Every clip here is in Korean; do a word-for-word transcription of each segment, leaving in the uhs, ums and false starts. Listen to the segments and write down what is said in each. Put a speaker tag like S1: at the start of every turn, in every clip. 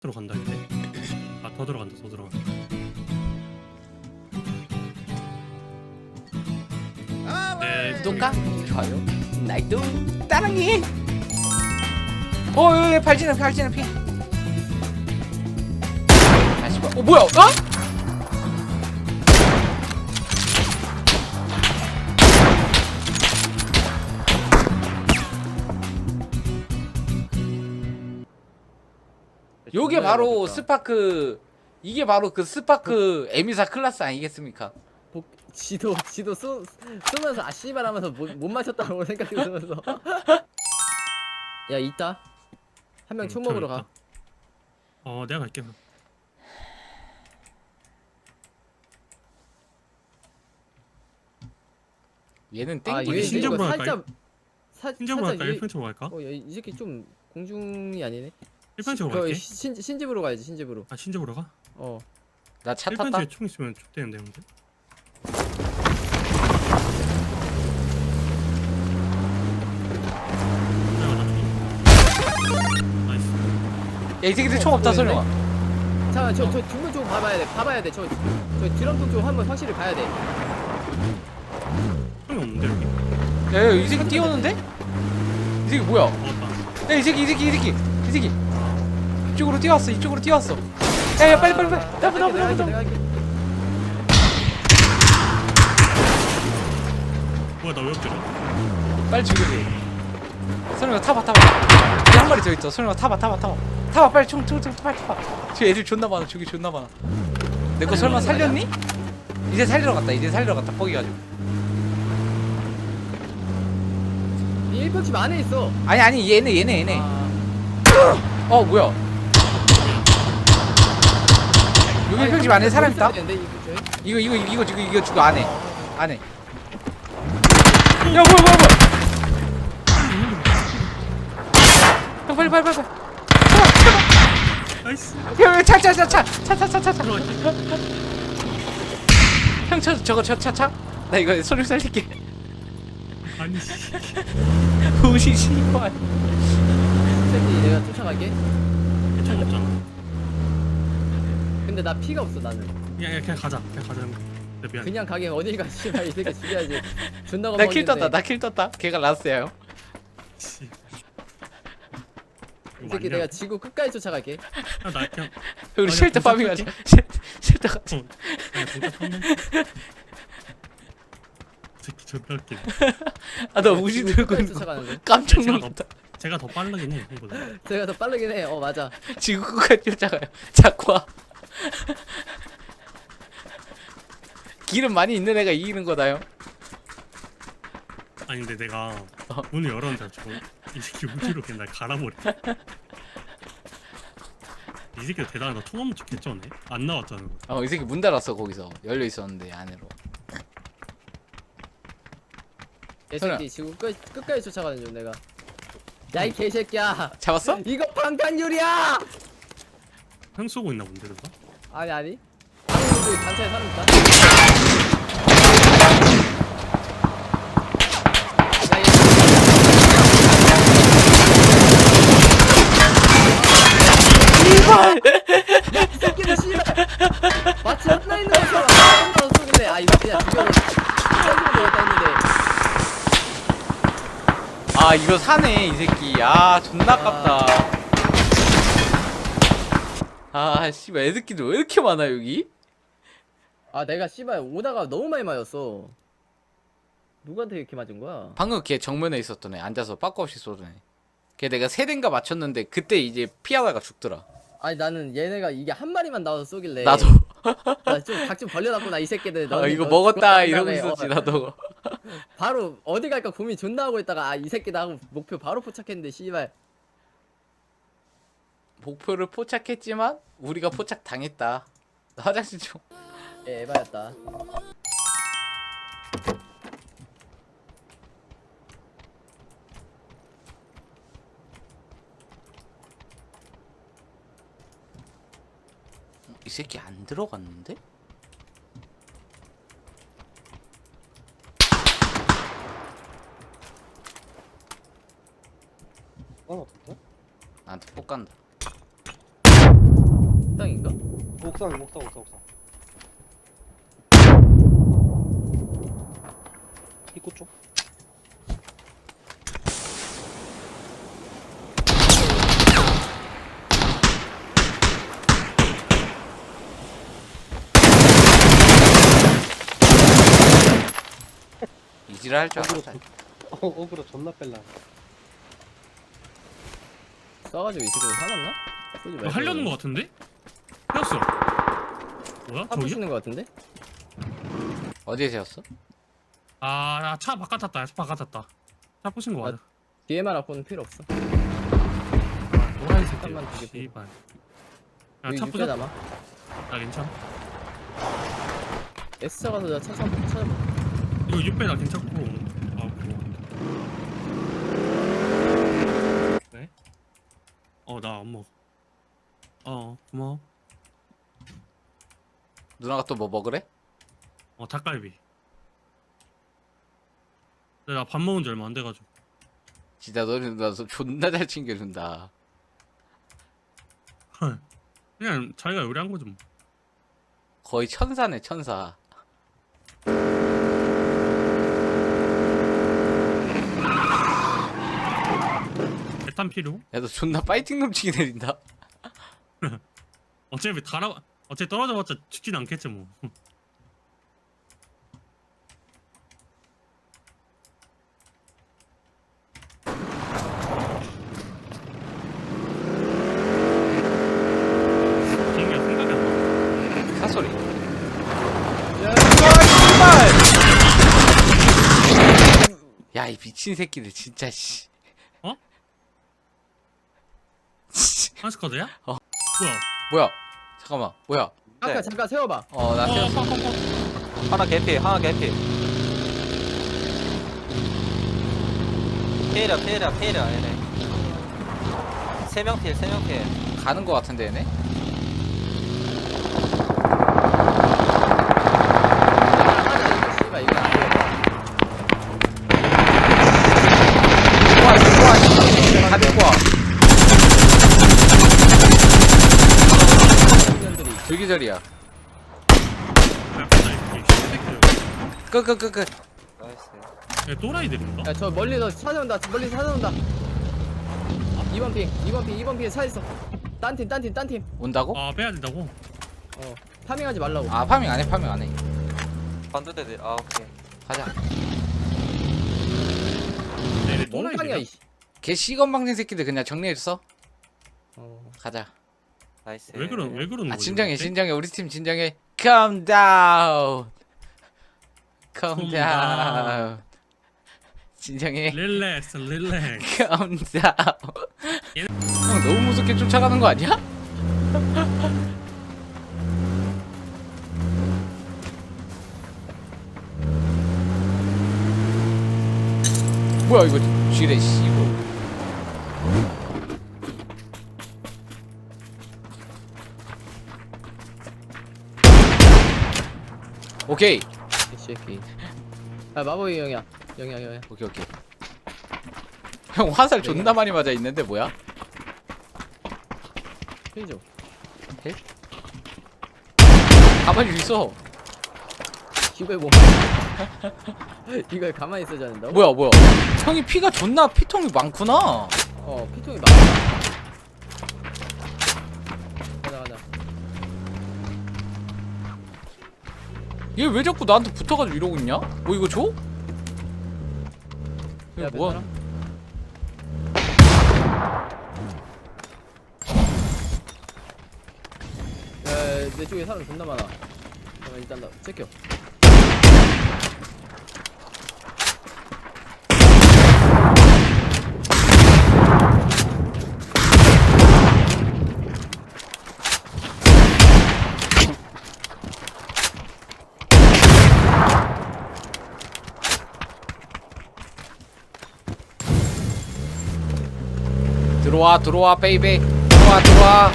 S1: 들어간다 이제. 아 더 들어간다 더 들어간다. 네.
S2: 구독과 좋아요 나이도 따랑이. 어 여기 발진행 발진행 피. 다시 봐. 어 뭐야? 어? 요게 바로 스파크. 이게 바로 그 스파크 에미사 클래스 아니겠습니까?
S3: 복, 지도 지도 쏘, 쏘면서 아 씨발 하면서 못, 못 맞췄다고 생각이 들면서 야 있다 한 명 총
S1: 음,
S3: 먹으러
S1: 저기
S3: 가.
S1: 있다. 어 내가 갈게. 그럼.
S2: 얘는
S3: 아
S2: 땡기기
S3: 얘
S1: 신점으로
S3: 이거
S1: 할까요?
S3: 살짝 사,
S1: 신점으로 할까?
S3: 얘-
S1: 일 평집으로 갈까?
S3: 어, 야, 이 새끼 좀 공중이 아니네.
S1: 일 평집으로
S3: 그
S1: 갈게.
S3: 신, 신집으로 가야지 신집으로.
S1: 아 신점으로 가?
S3: 어
S2: 나 차
S1: 일
S2: 탔다.
S1: 평집에 총 있으면 좋대는데 형들. 나이스.
S2: 야 이 새끼들 총 없다 설령아.
S3: 잠깐 저저 뒷문 쪽 봐봐야 돼 봐봐야 돼저 저 드럼통 쪽 한번 확실히 봐야 돼.
S1: 총이 없는데 여기?
S2: 야이 새끼 뛰어오는데? 이 새끼 뭐야?
S1: 먹었다.
S2: 야이 새끼 이 새끼 이 새끼 이 새끼 이쪽으로 뛰어왔어 이쪽으로 뛰어왔어. 야야 빨리 빨리 빨리 나부 나부
S3: 내가
S2: 나부
S3: 할게, 내가
S2: 나부.
S3: 할게.
S1: 뭐야 나 왜 엎드려?
S2: 빨리 죽여줘. 설령아 타봐 타봐. 여기 한 마리 더 있어. 설령아 타봐 타봐 타봐. 타봐 빨리 총 총 총 빨리 타봐. 지금 애들 존나 많아. 저기 존나 많아. 내 거 설마 살렸니? 이제 살리러 갔다. 이제 살리러 갔다. 뻑이 가지고.
S3: 이 일평집 안에 있어.
S2: 아니 아니 얘네 얘네 얘네.
S3: 아,
S2: 어 뭐야? 여기 일평집 안에 사람 있다?
S3: 있어야 되는데, 이 근처에?
S2: 이거 이거 이거 이거 이거 죽어 안에 안에. 야 뭐야 뭐야 뭐야? 형 빨리 빨리 빨리 빨리.
S1: 나이스.
S2: 형차차차차차차차차 차.
S1: 들어갈게.
S2: 형 저 저거 저 차 차. 나 이거 소리 살릴게.
S1: 아니 씨.
S2: 우시 씨발.
S3: 새끼 내가 쫓아갈게.
S1: 총 없잖아.
S3: 근데 나 피가 없어 나는.
S1: 야, 야 그냥 가자. 그냥 가자 형. 내 미안.
S3: 그냥 가게 어딜 가 씨발 이 새끼 죽여야지. 존나
S2: 나 킬
S3: 겁먹는데.
S2: 떴다. 나 킬 떴다. 걔가 라스야 형.
S1: 씨.
S3: 이 새끼 내가 지구 끝까지 쫓아갈게.
S1: 야나 그냥.
S2: 우리
S1: 아니야,
S2: 쉘터
S1: 동작
S2: 파밍 하자.
S1: 할게.
S2: 쉘- 쉘터 가자.
S1: 어. 야 동작 쳤네. 새끼 존나 웃기네.
S2: 아나 우시
S3: 지구
S2: 들고
S3: 끝까지
S2: 있는 거
S3: 쫓아가는데.
S2: 깜짝
S1: 제가
S2: 놀랐다.
S1: 제가 더 빠르긴 해 형보다.
S3: 제가 더 빠르긴 해. 어 맞아.
S2: 지구 끝까지 쫓아가요. 자꾸 와. 기름 많이 있는 애가 이기는 거다요.
S1: 아니 근데 내가
S2: 어.
S1: 문을 열었는데 저거 이 새끼 우주로 그냥 날 갈아버려. 이 새끼가 대단하다. 총 없는 척 개쩌네. 안 나왔잖아.
S2: 어 이 새끼 문 닫았어 거기서 열려 있었는데 안으로.
S3: 이
S2: 설아.
S3: 새끼 지구 끝 끝까지 쫓아가는 중 내가. 야 이 개새끼야.
S2: 잡았어?
S3: 이거 방탄유리야.
S1: 형 쏘고 있나 본데 누가?
S3: 아니 아니. 방금 저기 단차에 사람 있다. 야, 얘
S2: 이발.
S3: 이 새끼들 씨발 마치 혼나 있는 것처럼 혼자 쏘길래 아 이거 그냥 죽여서 쏘면 되겠다 했는데
S2: 아 이거 사네 이 새끼. 아 존나 아깝다. 아 씨발 애새끼들 왜 이렇게 많아 여기?
S3: 아 내가 씨발 오다가 너무 많이 맞았어. 누구한테 이렇게 맞은 거야?
S2: 방금 걔 정면에 있었던 애 앉아서 빠꾸 없이 쏘던 애. 걔 내가 세 대인가 맞췄는데 그때 이제 피하다가 죽더라.
S3: 아니 나는 얘네가 이게 한 마리만 나와서 쏘길래
S2: 나도.
S3: 나좀각 좀 벌려놨구나 이 새끼들.
S2: 아
S3: 너네
S2: 이거
S3: 너
S2: 먹었다
S3: 죽었다
S2: 이러고
S3: 다음에,
S2: 있었지
S3: 어,
S2: 나도.
S3: 바로 어디 갈까 고민 존나 하고 있다가 아 이 새끼다 하고 목표 바로 포착했는데 씨발.
S2: 목표를 포착했지만 우리가 포착 당했다. 나 화장실 좀.
S3: 예, 에바였다.
S2: 이 새끼 안 들어갔는데?
S4: 어, 어떡해?
S2: 나한테 폭 간다.
S4: 옥상 옥상 옥상 옥상 입구 쪽
S2: 이지랄 할 줄
S4: 어그로
S2: 알았다.
S4: 어, 어그로 존나 뺄라
S3: 쏴가지고 이 새끼들 화났나? 쏘지
S1: 이거
S3: 말고.
S1: 하려는 거 같은데? 태웠어. 뭐야?
S3: 차
S1: 저기야?
S3: 부시는 거 같은데?
S2: 어디에 세웠어?
S1: 아, 차 바깥 탔다. 차 바깥 탔다. 차 부신 거
S3: 아,
S1: 맞아.
S3: 디엠알 앞은 필요 없어.
S1: 노란 새끼.
S3: 잠깐만 되게
S1: 씨발. 야,
S3: 여기
S1: 차
S3: 육배
S1: 부자.
S3: 남아.
S1: 나 괜찮아.
S3: S차 가서 차 차- 찾아봐.
S1: 이거 육 배 나 괜찮고. 아, 그거. 네? 어, 나 안 먹어. 어, 고마워.
S2: 누나가 또 뭐 먹으래?
S1: 어, 닭갈비. 근데 나 밥 먹은 지 얼마 안 돼가지고.
S2: 진짜 너는 나 존나 잘 챙겨준다.
S1: 그냥 자기가 요리한 거지 뭐.
S2: 거의 천사네 천사.
S1: 대탄 필요?
S2: 야 너 존나 파이팅 넘치게 내린다.
S1: 어차피 달아, 어차피 떨어져봤자 죽진 않겠지 뭐. 비행기가 생각이 안 나.
S2: 사소리. 야 이 미친 새끼들 진짜 씨.
S1: 어? 한스쿼드야?
S2: 어.
S1: 뭐야?
S2: 뭐야? 잠깐만 뭐야?
S3: 아까
S5: 네.
S3: 잠깐 세워봐.
S2: 어나
S1: 어,
S2: 세웠어.
S1: 어, 어, 어.
S5: 하나 개피 하나 개피 피해라 피해라 피해라 얘네 세명 피해 세명 피해
S2: 가는 거 같은데 얘네?
S3: 씨발 이거 안 돼.
S2: 좋아 좋아. 다 데리고 와.
S3: 년들이
S2: 불기절이야.
S1: 야, 나 이 새끼들.
S2: 끄끄끄끄.
S5: 나이스
S1: 야, 또라이들인가?
S3: 야, 저 멀리서 찾아온다. 멀리서 찾아온다. 이 번 핑, 이 번 핑, 이 번 핑에 차 있어. 딴 팀, 딴 팀, 딴 팀.
S2: 온다고?
S1: 아, 빼야 된다고?
S3: 어, 파밍하지 말라고.
S2: 아 파밍 안 해 파밍 안 해.
S5: 반도대들 아 오케이
S2: 가자.
S1: 얘네
S3: 몽땅이야,
S1: 또라이들이야?
S3: 이씨.
S2: 개 시건방진 새끼들 그냥 정리해줬어.
S3: 어,
S2: 가자.
S5: 나이스
S1: 왜 그런, 왜 그러는
S2: 아
S1: 거지?
S2: 진정해
S1: 도대체?
S2: 진정해 우리 팀 진정해. Calm down. Calm
S1: Calm
S2: down. 진정해.
S1: 릴렉스, 릴렉스.
S2: Calm down. 형 너무 무섭게 쫓아가는 거 아니야? 뭐야 이거 지뢰 씨고. 오케이
S3: 이 새끼. 아, 마법의 영이야. 영이야, 영이야.
S2: 오케이 오케이. 형 화살 존나 많이 맞아 있는데 뭐야?
S3: 필죠.
S2: 가만히 있어.
S3: 이거에 뭐. 이걸 가만히 있어야 된다고?
S2: 뭐야 뭐야? 형이 피가 존나 피통이 많구나.
S3: 어, 피통이 많아. 가자, 가자.
S2: 얘 왜 자꾸 나한테 붙어가지고 이러고 있냐? 뭐 이거 줘? 이거
S3: 야,
S2: 뭐야?
S3: 몇 야, 내 쪽에 사람 존나 많아. 잠깐 일단 나 체크.
S2: 들어와 들어와 베이베 들어와 들어와.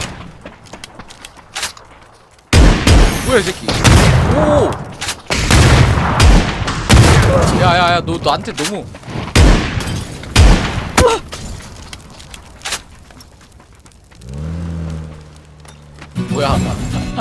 S2: 뭐야 이 새끼. 오. 야야야 너 나한테 너무. 뭐야?